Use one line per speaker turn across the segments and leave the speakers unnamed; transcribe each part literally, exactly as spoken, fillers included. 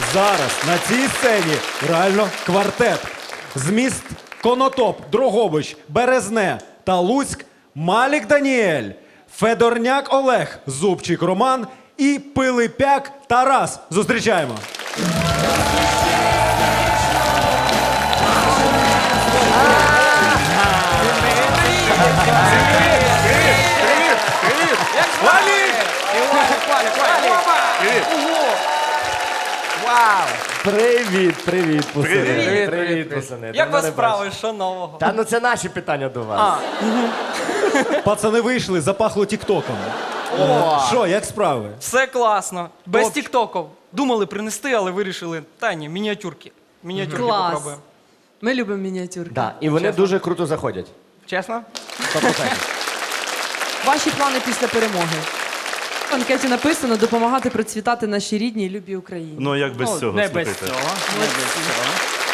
Зараз на цій сцені реально квартет. З міст Конотоп, Дрогобич, Березне та Луцьк Малік Даніель, Федорняк Олег, Зубчик Роман і Пилипяк Тарас. Зустрічаємо.
Вау!
Привіт, привіт, пацани.
Привіт,
Привіт,
привіт.
пацани.
Як
Давно
вас
не
справи?
бачив.
Що нового?
Та ну це наші питання до вас.
А,
Пацани вийшли, запахло тіктоком. Е, Що, як справи?
все класно. Без
Топ.
тіктоків. Думали принести, але вирішили. Та ні, мініатюрки. Мініатюрки
Клас.
попробуємо.
Ми любимо мініатюрки.
Да, і вони дуже круто заходять.
Чесно?
сто відсотків.
Ваші плани після перемоги. В анкеті написано допомагати процвітати нашій рідній і любій Україні.
Ну, як без цього,
Не
слухайте.
без цього. Не без цього.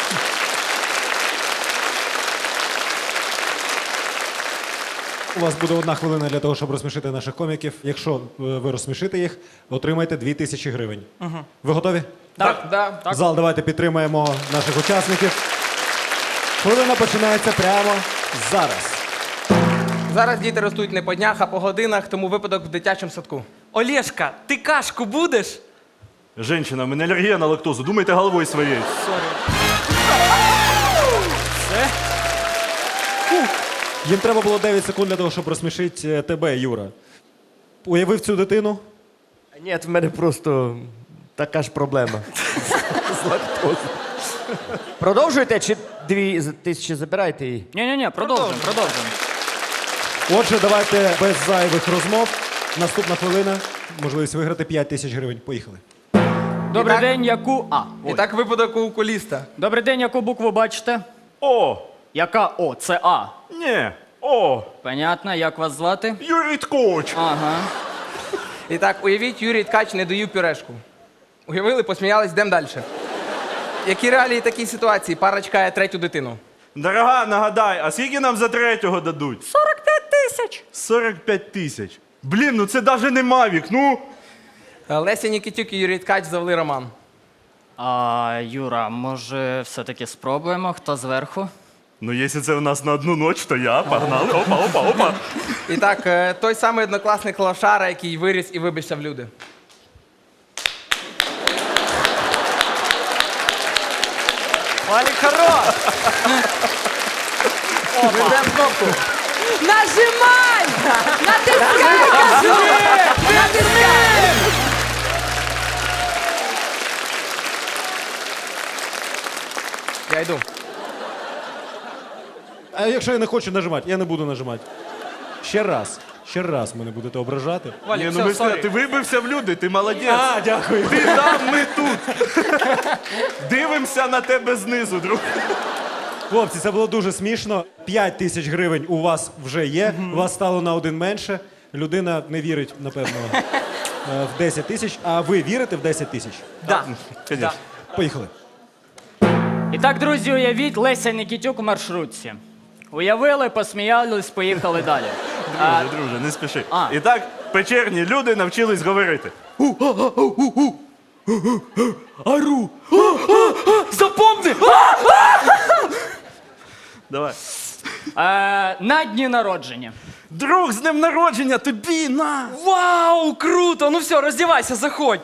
У вас буде одна хвилина для того, щоб розсмішити наших коміків. Якщо е, ви розсмішите їх, отримаєте дві тисячі гривень. Ви готові?
Так. Да.
Зал, давайте підтримаємо наших учасників. Хвилина починається прямо зараз.
Зараз діти ростуть не по днях, а по годинах, тому випадок в дитячому садку.
Олєшка, ти кашку будеш?
Женщина, в мене алергія на лактозу. Думайте головою своєю.
Їм треба було дев'ять секунд для того, щоб розсмішити е, тебе, Юра. Уявив цю дитину?
Ні, в мене просто така ж проблема. З лактозою. Продовжуєте чи дві з- тисячі забираєте і.
Ні-ні-ні, продовжуємо, продовжуємо.
Отже, давайте без зайвих розмов. Наступна хвилина. Можливість виграти п'ять тисяч гривень. Поїхали.
Добрий
так-
день, яку... А,
І
ой.
так випадок у окуліста.
Добрий день, яку букву бачите?
О!
Яка О? Це А.
Ні! О!
Понятно, як вас звати?
Юрій Ткоч!
Ага.
І так, уявіть, Юрій Ткач не доїв пюрешку. Уявили, посміялись, йдемо далі. Які реалії такій ситуації? Пара чекає третю дитину.
Дорога, нагадай, а скільки нам за третього дадуть?
сорок п'ять тисяч.
сорок п'ять тисяч. Блін, ну це навіть не Мавік, ну.
Е, Леся Нікітюк і Юрій Ткач завели роман.
А, Юра, може, все-таки спробуємо, хто зверху?
Ну, якщо це в нас на одну ніч, то я. Погнали. Опа, опа, опа.
І так, е, той самий однокласник Лошара, який виріс і вибився в люди.
Валік хорош.
Ведемо кнопку.
Нажимай! Натискай! кажу! Натискай!
Я йду.
А якщо я не хочу нажимати, я не буду нажимати. Ще раз. Ще раз мене будете ображати.
Валік,
Ні, ну
все,
ми
сорі.
все, ти вибився в люди, ти молодець.
А, дякую.
Ти там, ми тут. Дивимося на тебе знизу, друг.
Хлопці, це було дуже смішно. п'ять тисяч гривень у вас вже є. У вас стало на один менше. Людина не вірить, напевно, е, в десять тисяч. А ви вірите в десять тисяч?
Да.
Звісно.
Поїхали.
І так, друзі, уявіть Леся Нікітюк у маршрутці. Уявили, посміялись, поїхали далі. А,
Друже, друже, не спіши.
А.
І так, печерні люди навчились говорити.
Ару!
Запомни!
Давай.
е, на дні народження.
Друг, з днем народження, тобі, на!
Вау, круто! Ну все, роздівайся, заходь.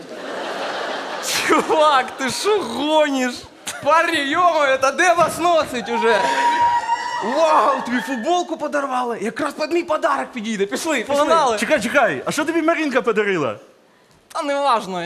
Чувак, ти що гониш?
Парні, йомо, та де вас носить уже? Вау, тобі футболку подарували. Якраз під мій подарок підійде. Пішли, пішли.
Погнали.
Чекай, чекай, а що тобі Марінка подарила?
Та не важно.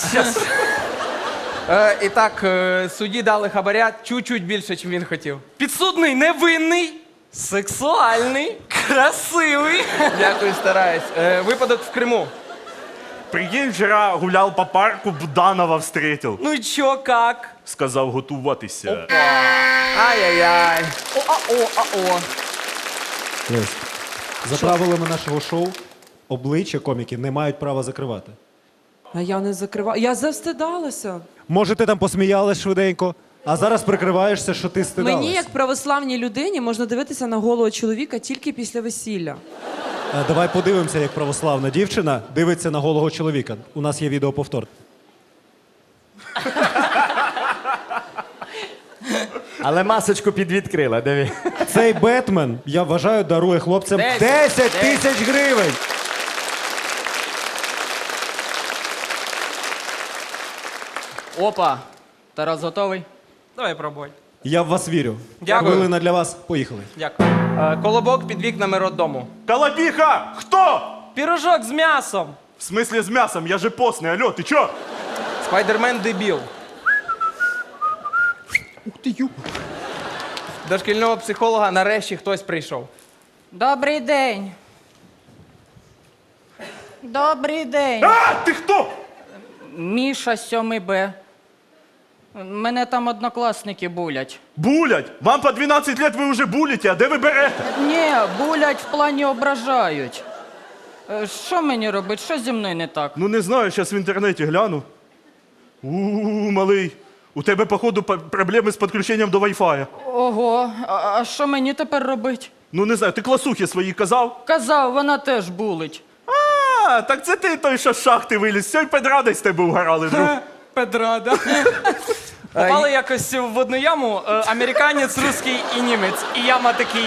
Е, і так, е, судді дали хабаря чуть-чуть більше, ніж він хотів.
Підсудний невинний, сексуальний, красивий.
Дякую, стараюсь. Е, випадок в Криму.
Прикинь, вчора гуляв по парку, Буданова встретив.
Ну і чо, как?
Сказав готуватися.
Ай-яй-яй.
О-а-о, а-о.
Лесь, за правилами нашого шоу обличчя коміки не мають права закривати.
А я не закриваю. Я завстидалася.
Може, ти там посміялась швиденько, а зараз прикриваєшся, що ти стидалась.
Мені, як православній людині, можна дивитися на голого чоловіка тільки після весілля.
Е, Давай подивимося, як православна дівчина дивиться на голого чоловіка. У нас є відеоповтор.
Але масочку підвідкрила, диви.
Цей Бетмен, я вважаю, дарує хлопцям
Десять.
десять тисяч гривень.
Опа. Тарас готовий?
Давай пробуй.
Я в вас вірю.
Дякую.
Хвилина для вас. Поїхали.
Дякую.
Е, Колобок під вікнами роддому.
Колобіха! Хто?
Пірожок з м'ясом.
В смислі з м'ясом? Я же постний, алло, ти чо?
Спайдермен дебіл. Ух ти ю. До шкільного психолога нарешті хтось прийшов.
Добрий день. Добрий день.
А, ти хто?
Міша сьомий Б. Мене там однокласники булять.
Булять. Вам по дванадцять лет ви вже булите, а де ви берете?
Ні, булять в плані ображають. Е, Що мені робити? Що зі мною не так?
Ну не знаю, зараз в інтернеті гляну. У-у-у, малий. У тебе, походу, по- проблеми з підключенням до Wi-Fi.
Ого, а а що мені тепер робити?
Ну не знаю, ти класухи свої казав?
Казав, вона теж булить.
А, так це ти той, що з шахти виліз. Все, й педради з тебе угорали, друг.
Педрада. Попали якось в одну яму е, американець, русський і німець. І яма такий.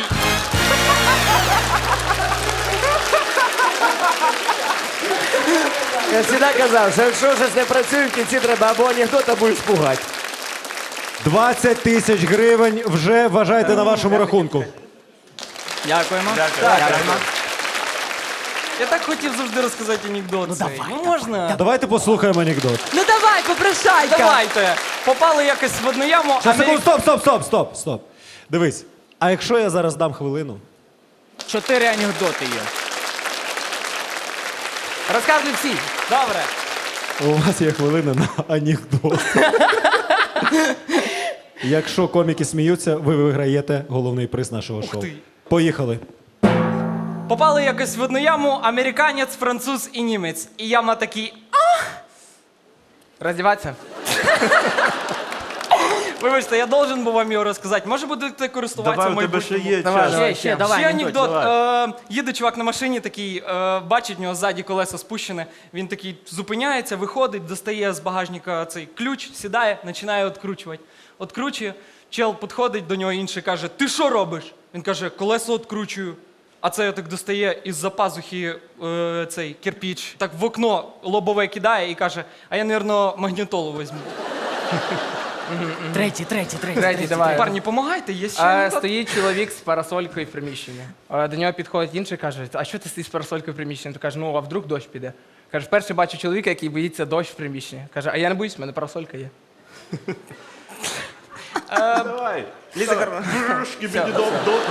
Я завжди казав, що якщо щось не працює, в кінці треба або анекдот, або іспугати.
двадцять тисяч гривень вже вважайте на вашому рахунку.
Дякуємо.
Дякуємо. Я так хотів завжди розказати анекдот. Ну, давай, ну можна?
Давайте послухаємо анекдот.
Ну давай, попрошайка.
Давайте. Попали якось в одну яму.
Щас, секунду,
Америк-
стоп, стоп, стоп, стоп, стоп. Дивись. А якщо я зараз дам хвилину?
Чотири анекдоти є.
Розказуй всі.
Добре.
У вас є хвилина на анекдот. Якщо коміки сміються, ви виграєте головний приз нашого шоу.
ти.
Поїхали.
Попали якось в одну яму американець, француз і німець. І яма такий.
Роздіватися.
Вибачте, я должен був вам його розказати. Може будете користуватися
Давай,
в
у тебе ще
майбутньому?
є
Давай,
час.
давай.
Ще, ще, давай.
Ще
анекдот.
анекдот. Е, їде чувак на машині, такий, е, бачить, в нього ззаді колесо спущене. Він такий зупиняється, виходить, достає з багажника цей ключ, сідає, починає відкручувати. Откручує, чел підходить до нього інший каже: ти що робиш? Він каже: колесо відкручую. А це так достає із-за пазухи е, цей кирпіч, так в окно лобове кидає і каже: а я, мабуть, магнітолу візьму.
Третій, третій, третій.
Третій, давай.
Парні, помагайте, є ще
А,
анекдот?
стоїть чоловік з парасолькою в приміщенні. А, До нього підходить інший, каже: а що ти стоїш з парасолькою в приміщенні? Він каже: ну, а вдруг дощ піде? Каже: вперше бачу чоловіка, який боїться дощ в приміщенні. Каже: а я не боюсь, в мене парасолька є.
Давай.
Ліза Карна.
Брюшки мені до... до- до-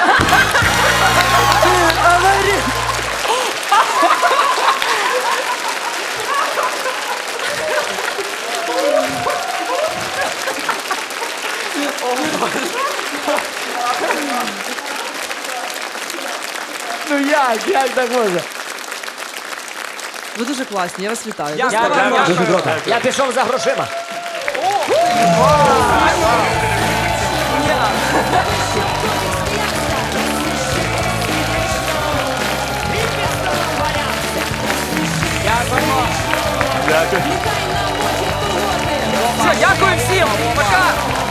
Ну як, як так можна?
Ви дуже класні, я вас вітаю.
Дякую.
Дякую.
Дякую.
Дуже добре. Я пішов за грошима.
Дякую.
Все, дякую всім, пока!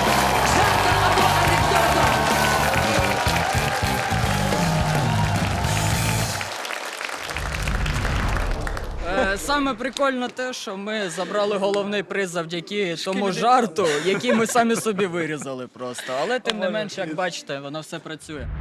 Е, Саме прикольно те, що ми забрали головний приз завдяки тому жарту, який ми самі собі вирізали просто. Але тим не менш, як бачите, воно все працює.